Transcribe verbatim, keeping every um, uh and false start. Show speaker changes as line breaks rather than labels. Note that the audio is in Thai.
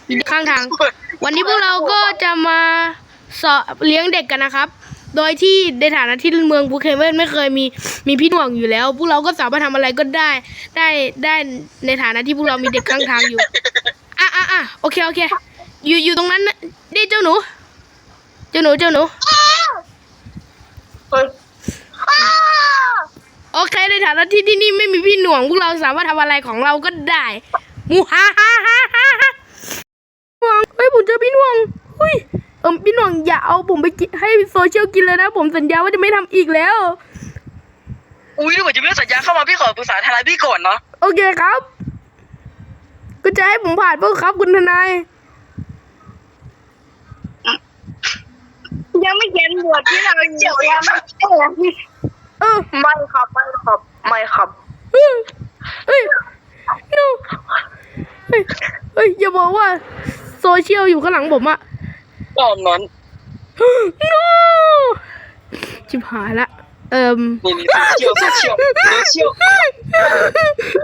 ข้างทาง วันนี้พวกเราก็จะมาสอนเลี้ยงเด็กกันนะครับ โดยที่ในฐานะที่เมืองบูเคเวนไม่เคยมีมีพี่หน่วงอยู่แล้ว พวกเราก็สามารถทำอะไรก็ได้ได้ได้ในฐานะที่พวกเรามีเด็กข้างทางอยู่อ่ะอ่ะอ่ะโอเคโอเคอยู่อยู่ตรงนั้นนะนี่เจ้าหนูเจ้าหนูเจ้าหนูโอเคในฐานะที่ที่นี่ไม่มีพี่หน่วงพวกเราสามารถทำอะไรของเราก็ได้มูฮ่าฮ่าฮ่าฮ่าฮ่าเฮ้ยผมเจอพี่หน่วงเฮ้ยเออพี่หน่วงอย่าเอาผมไปกินให้โซเชียลกินเลยนะผมสัญญาว่าจะไม่ทำอีกแล้ว
อุ้ยดูเหมือนจะไม่ได้สัญญาเข้ามาพี่ขอปรึกษาทนายพี่ก่อนเนาะ
โอเคครับก็จะให้ผมผ่านเพื่อครับคุณทนาย
ยังไม่เขียนบทที่เราเจียวยังไม่เขียน
เออ
ไม่ครับไม่ครับไม่ครับ
เฮ้ยเฮ้ย no เฮ้ยเฮ้ยอย่าบอกว่าโซเชียลอยู่ข้างหลังผมอะ
ตอนนั้น
no ชิบหายละเอิม
นี่นี่โซเชียลโซเชียลโซเชียล